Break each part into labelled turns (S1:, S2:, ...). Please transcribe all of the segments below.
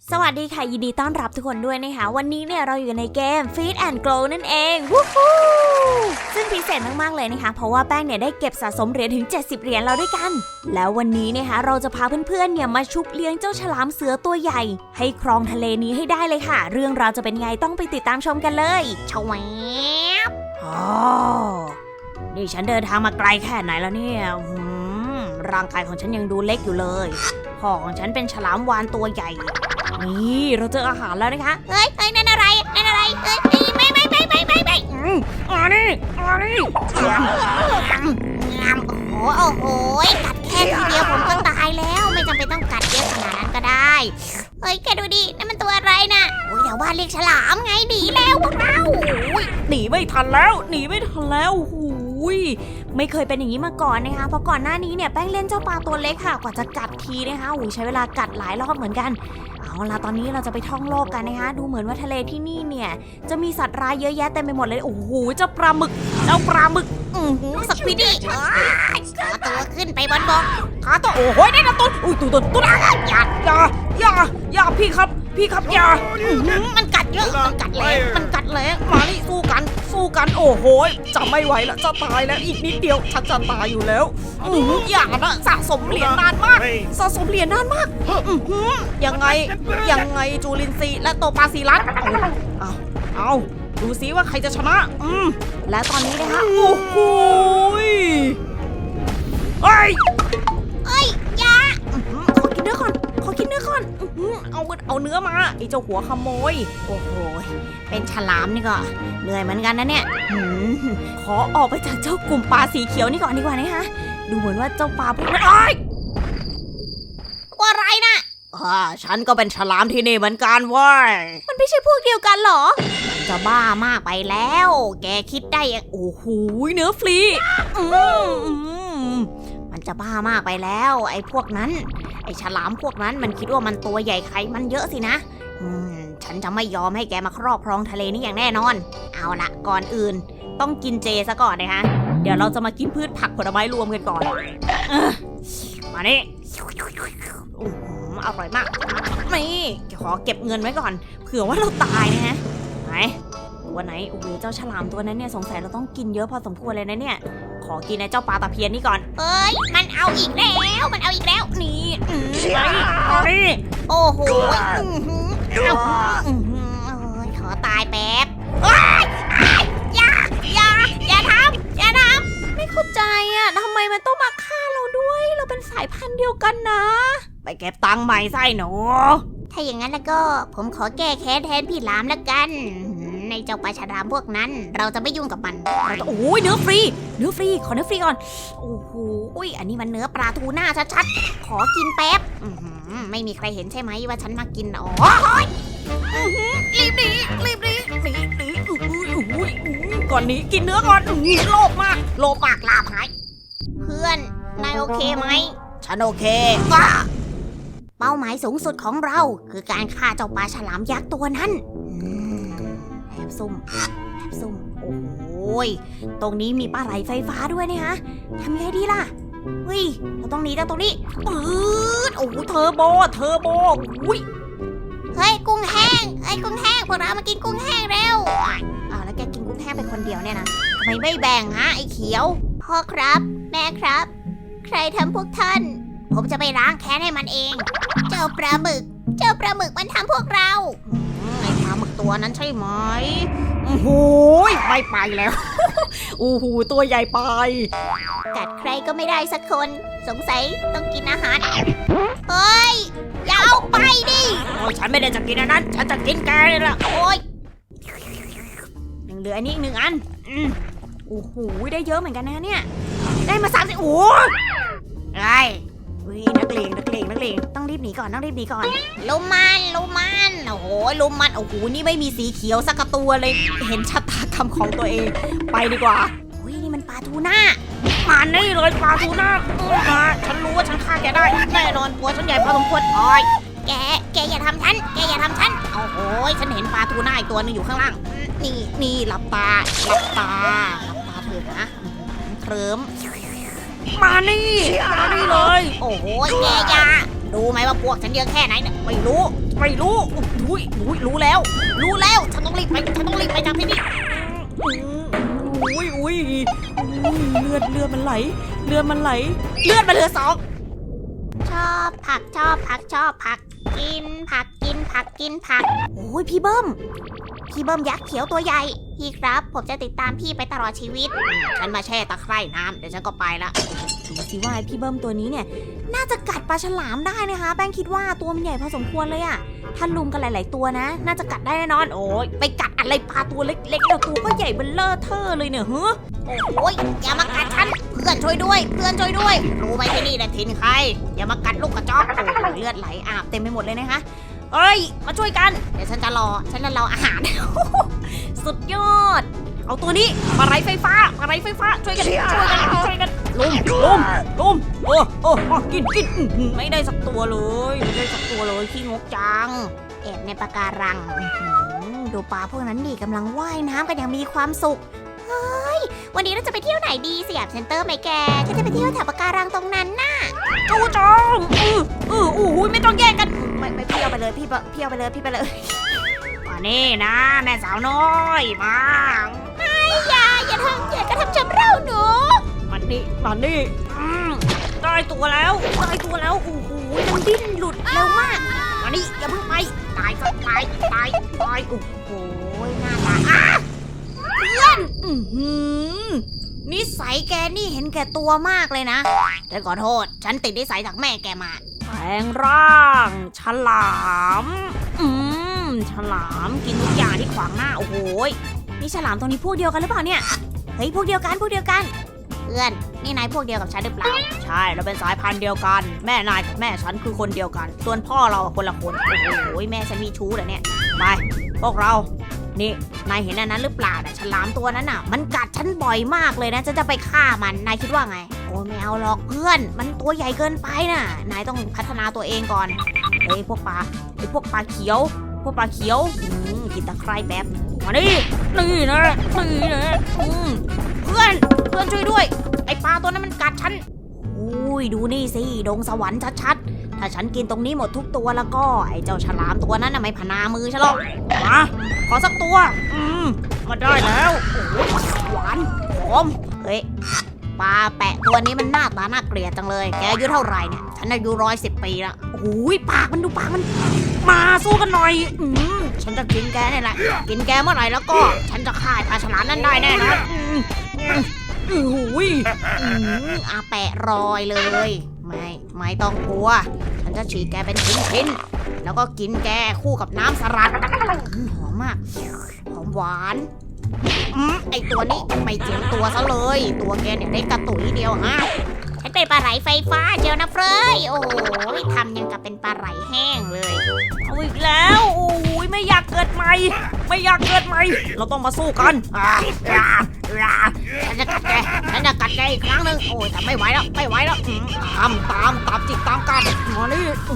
S1: สวัสดีค่ะยินดีต้อนรับทุกคนด้วยนะคะวันนี้เนี่ยเราอยู่ในเกม Feed and Grow นั่นเองวู้ฮู้ซึ่งพิเศษมากๆเลยนะคะเพราะว่าแป้งเนี่ยได้เก็บสะสมเหรียญถึง70เหรียญแล้วด้วยกันแล้ววันนี้นะคะเราจะพาเพื่อนๆเนี่ยมาชุบเลี้ยงเจ้าฉลามเสือตัวใหญ่ให้ครองทะเลนี้ให้ได้เลยค่ะเรื่องราวจะเป็นไงต้องไปติดตามชมกันเลยชวบนี่ฉันเดินทางมาไกลแค่ไหนแล้วเนี่ยร่างกายของฉันยังดูเล็กอยู่เลยพ่อของฉันเป็นฉลามวาฬตัวใหญ่นี่เราเจออาหารแล้วนะคะเฮ้ยนั่นอะไรเฮ้ยไม่โอ้โหกัดแค่ทีเดียวผมก็ตายแล้วไม่จำเป็นต้องกัดเยอะขนาดนั้นก็ได้เฮ้ยแกดูดินั่นมันตัวอะไรน่ะโอ้ยแถวบ้านเรียกฉลามไงหนีแล้วพวกเราหนีไม่ทันแล้วหูยไม่เคยเป็นอย่างนี้มาก่อนนะคะเพราะก่อนหน้านี้เนี่ยแป้งเล่นเจ้าปลาตัวเล็กค่ะกว่าจะกัดทีนะคะใช้เวลากัดหลายรอบเหมือนกันเอาล่ะตอนนี้เราจะไปท่องโลกกันนะคะดูเหมือนว่าทะเลที่นี่เนี่ยจะมีสัตว์ร้ายเยอะแยะเต็มไปหมดเลยโอ้โหเจ้าปลาหมึกสควิดดี้ขอตัวขึ้นไปบนบกขอตัวโอ้โหได้นะตุ๊ดอุ้ยตุ๊ดอย่าพี่ครับอย่ามันกัดเยอะมันกัดแรงมานี่สู้กันโอ้โหจะไม่ไหวแล้วจะตายแล้วอีกนิดเดียวฉันจะตายอยู่แล้วอย่านะสะสมเหรียญนานมากยังไงจูลินซีและโตปาซีรัสเอาดูซิว่าใครจะชนะและตอนนี้นะคะโอ้โหอย่าขอกินเนื้อก่อนเอาเนื้อมาไอ้เจ้าหัวขโมยโอ้โหเป็นฉลามนี่ก็เหนื่อยเหมือนกันนะเนี่ยขอออกไปจากเจ้ากลุ่มปลาสีเขียวนี่ก่อนดีกว่านะคะดูเหมือนว่าเจ้าปลาพวกนั้นตัวอะไรนะฉันก็เป็นฉลามที่นี่เหมือนกันเว้ยมันไม่ใช่พวกเดียวกันหรอจะบ้ามากไปแล้วแกคิดได้โอ้โหเนื้อฟรีมันจะบ้ามากไปแล้วไอ้พวกนั้นไอ้ฉลามพวกนั้นมันคิดว่ามันตัวใหญ่ไขมันเยอะสินะฉันจะไม่ยอมให้แกมาครอบครองทะเลนี้อย่างแน่นอนเอาละก่อนอื่นต้องกินเจซะก่อนนะคะเดี๋ยวเราจะมากินพืชผักผลไม้รวมกันก่อนมานี่อร่อยมากนี่ขอเก็บเงินไว้ก่อนเผื่อว่าเราตายนะฮะไหนตัวไหนโอ้โหเจ้าฉลามตัวนั้นเนี่ยสงสัยเราต้องกินเยอะพอสมควรเลยนะเนี่ยขอกินไอ้เจ้าปลาตะเพียนนี่ก่อนมันเอาอีกแล้วนี่นี่โอ้โหขอตายแป๊บอย่าทำไม่เข้าใจอ่ะทำไมมันต้องมาฆ่าเราด้วยเราเป็นสายพันธุ์เดียวกันนะไปเก็บตังค์ใหม่ไส้หนูถ้าอย่างนั้นแล้วก็ผมขอแก้แค้นแทนพี่หลามแล้วกันในเจ้าปลาฉลามพวกนั้นเราจะไม่ยุ่งกับมันโอ้ยเนื้อฟรีขอเนื้อฟรีก่อนโอ้โหอันนี้มันเนื้อปลาทูน่าชัดๆขอกินแป๊บไม่มีใครเห็นใช่ไหมว่าฉันมากินรีบหนีก่อนนี้กินเนื้อก่อนโลภมากลาบหายเพื่อนนายโอเคไหมฉันโอเคเป้าหมายสูงสุดของเราคือการฆ่าเจ้าปลาฉลามยักษ์ตัวนั้นแอบซุ่มโอ้ยตรงนี้มีปลาไหลไฟฟ้าด้วยนะคะทำไงดีล่ะเราต้องหนีจากตรงนี้ปื๊ดโอ้โหเทอร์โบเฮ้ยกุ้งแห้งพวกเรามากินกุ้งแห้งเร็วแล้วแกกินกุ้งแห้งไปคนเดียวเนี่ยนะทำไมไม่แบ่งฮะไอ้เขียวพ่อครับแม่ครับใครทำพวกท่านผมจะไปล้างแค้นให้มันเองเจ้าปลาหมึกมันทำพวกเราไอ้ปลาหมึกตัวนั้นใช่ไหมโอ้โหไม่ไปแล้วโอ้โหตัวใหญ่ไปกัดใครก็ไม่ได้สักคนสงสัยต้องกินอาหารเฮ้ยอย่าเอาไปดิฉันไม่ได้จะกินอันนั้นฉันจะกินแกเลยล่ะโอ้ยเหลืออันนี้อีก1 อันโอ้โหได้เยอะเหมือนกันนะเนี่ยได้มา30โอ้ยนักเลงต้องรีบหนีก่อนลุมมันโอ้โหนี่ไม่มีสีเขียวสักตัวเลยเห็นชะตากรรมของตัวเองไปดีกว่านี่มันปลาทูน่ามานี่เลยปลาทูน่าฉันรู้ว่าฉันฆ่าแกได้แน่นอนตัวฉันใหญ่พอสมควรแกอย่าทำฉันโอ้โหฉันเห็นปลาทูน่าอีกตัวนึงอยู่ข้างล่างนี่หลับตาเถอะนะเคลิ้มมานี่เลยโอ้โหแกอย่ารู้ไหมว่าพวกฉันเยอะแค่ไหนเนี่ยไม่รู้รู้แล้วฉันต้องรีบไปจากที่นี่
S2: อุ้ยเลือดมันไหลเลือดมันเหลือ2
S1: ชอบผักกินผักโอ้ยพี่เบิ้มยักษ์เขียวตัวใหญ่พี่ครับผมจะติดตามพี่ไปตลอดชีวิตฉันมาแช่ตะไคร่น้ำเดี๋ยวฉันก็ไปละ
S2: ดูสิว่าพี่เบิ้มตัวนี้เนี่ยน่าจะกัดปลาฉลามได้นะคะแป้งคิดว่าตัวมันใหญ่พอสมควรเลยอะถ้าลุมกันหลายๆตัวนะน่าจะกัดได้แน่นอนโอ้ยไปกัดอะไรปลาตัวเล็กๆแล้วตัวก็ใหญ่เบ้อเลอเทอเลยเนี่ย
S1: โอ้ยอย่ามากัดฉันเพื่อนช่วยด้วยรู้ไหมที่นี่แหละถิ่นใครอย่ามากัดลูกกระจอกโอ้ยเลือดไหลอาบเต็มไปหมดเลยนะคะเอ้ยมาช่วยกันเดี๋ยวฉันจะรออาหาร สุดยอดเอาตัวนี้ปลาไหลไฟฟ้าช่วยกันลุมโอ้กินไม่ได้สักตัวเลยขี้งกจังแอบในปะการังดูปลาพวกนั้นดิกำลังว่ายน้ำกันอย่างมีความสุขเฮ้ยวันนี้เราจะไปเที่ยวไหนดีสยามเซ็นเตอร์ไหมแกฉันจะไปเที่ยวแถวปะการังตรงนั้นน่ะ
S2: จูจองไม่ต้องแย่งกัน
S1: ไม่เที่ยวไปเลยพี่ไปเลยมานี่นะแม่สาวน้อยมาไม่อย่ากระทำชำเราหนู
S2: มันนี่ได้ตัวแล้วโอ้โหมันดิ้นหลุดเร็วมาก
S1: มานี่อย่าเพิ่งไปตายโอ้โหหน้าตาเพื่อนนิสัยแกนี่เห็นแก่ตัวมากเลยนะฉันขอโทษฉันติดนิสัยจากแม่แกมา
S2: แปลงร่างฉลามฉลามกินทุกอย่างที่ขวางหน้าโอ้โหนี่ฉลามตัวนี้พวกเดียวกันหรือเปล่าเนี่ย
S1: เฮ้ยพวกเดียวกันเพื่อนนี่นายพวกเดียวกับฉันหรือเปล่า
S2: ใช่เราเป็นสายพันธุ์เดียวกันแม่นายกับแม่ฉันคือคนเดียวกันส่วนพ่อเราคนละคน
S1: โอ้โหแม่ฉันมีชู้เหรอเนี่ย
S2: ไปพวกเรานี่นายเห็นอันนั้นหรือเปล่า
S1: เนี่ยฉลามตัวนั้นน่ะมันกัดฉันบ่อยมากเลยนะฉันจะไปฆ่ามันนายคิดว่าไงโอ้ไม่เอาหรอกเพื่อนมันตัวใหญ่เกินไปน่ะนายต้องพัฒนาตัวเองก่อน
S2: เฮ้ยพวกปลาเขียวกินตะไคร่แบบมานี่นะ
S1: เพื่อนช่วยด้วยไอปลาตัวนั้นมันกัดฉัน
S2: อุ้ยดูนี่สิดงสวรรค์ชัดๆถ้าฉันกินตรงนี้หมดทุกตัวแล้วก็ไอเจ้าฉลามตัวนั้นน่ะไม่พนามือฉันหรอกมาขอสักตัวมาได้แล้วโอ้หวานหอม
S1: เฮ้ยปลาแปะตัวนี้มันหน้าตาน่าเกลียดจังเลยแกอายุเท่าไหร่เนี่ยฉันอายุ110 ปีแล้ว
S2: โอ้ยปากมันมาสู้กันหน่อยฉันจะกินแกนี่แหละกินแกเมื่อไหร่แล้วก็ฉันจะฆ่าปลาฉลามนั่นได้แน่นอน
S1: อาแปะรอยเลยไม่ต้องกลัวฉันจะฉีกแกเป็นชิ้นๆแล้วก็กินแกคู่กับน้ำสลัดหอมมากหอมหวานไอตัวนี้ไม่เจียมตัวซะเลยตัวแกเนี่ยได้กระตุยเดียวฮะฉันเป็นปลาไหลไฟฟ้าเจียวนะเฟยโอ้ยทำยังกับเป็นปลาไหลแห้งเลย
S2: เอาอีกแล้วโอ้ยไม่อยากเกิดใหม่เราต้องมาสู้กัน
S1: ฉันจะกัดแกอีกครั้งหนึ่งโอ้ยแต่ไม่ไหวแล้ว
S2: ตามจิกตามกันมานี่
S1: โอ้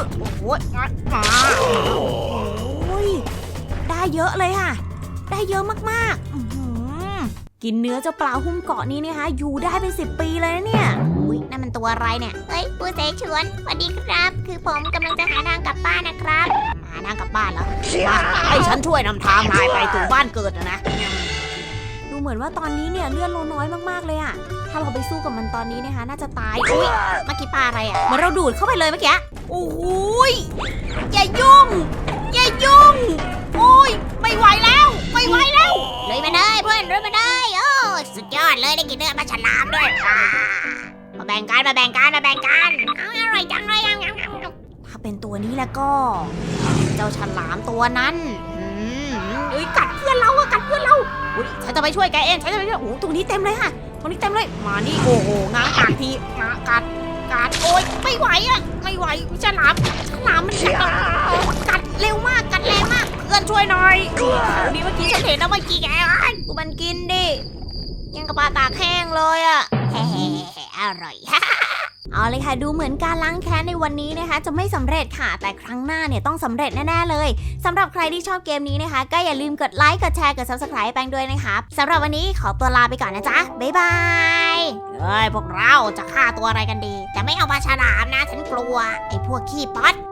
S1: ยได้เยอะเลยค่ะได้เยอะมาก
S2: กินเนื้อเจ้าปลาหุ้มเกาะนี้นะคะอยู่ได้เป็น10 ปีเลยนะเนี่ย
S1: อุ้ยนั่นมันตัวอะไรเนี่ยเฮ้ยปูเสฉวนสวัสดีครับคือผมกำลังจะหาทางกลับบ้านนะครับหาทางกลับบ้านแล้ว
S2: ให้ฉันช่วยนำทางนายไปถึงบ้านเกิดนะดูเหมือนว่าตอนนี้เนี่ยเลือดเราน้อยมากๆเลยอะถ้าเราไปสู้กับมันตอนนี้นะคะน่าจะตาย
S1: อุ้ยเมื่อกี้ปลาอะไรอะ
S2: เหมือนเราดูดเข้าไปเลยเมื่อกี้
S1: โอ้ยอย่ายุ่งโอ้ยไม่ไหวแล้วเลยมาได้เพื่อนเลยมาได้โอ้สุดยอดเลยได้กินเนื้อปลาฉลามด้วยมาแบ่งกันอร่อยจังเลย
S2: ถ้าเป็นตัวนี้แล้วก็เจ้าฉลามตัวนั้น
S1: กัดเพื่อนเรา
S2: อุ้ยฉันจะไปช่วยแกเองโอ้ตรงนี้เต็มเลยค่ะมานี่โอ้โหง้างปากทีมากัด
S1: โอ้ยไม่ไหวฉลามมันกัดเร็วมากกัดแรงมากเพื่อนช่วยหน่อยนี่เมื่อกี้ฉันเห็นแล้วเมื่อกี้แกกูมันกินดิยังกับปลาตากแห้งเลยอะอร่อย
S2: เอาเลยค่ะดูเหมือนการล้างแค้นในวันนี้นะคะจะไม่สำเร็จค่ะแต่ครั้งหน้าเนี่ยต้องสำเร็จแน่ๆเลยสำหรับใครที่ชอบเกมนี้นะคะก็อย่าลืมกดไลค์กดแชร์กด Subscribe แป้งด้วยนะครับสำหรับวันนี้ขอตัวลาไปก่อนนะจ๊ะบ๊ายบาย
S1: เฮ้ยพวกเราจะฆ่าตัวอะไรกันดี แต่ไม่เอาปลาฉลามนะฉันกลัวไอ้พวกขี้ป๊อด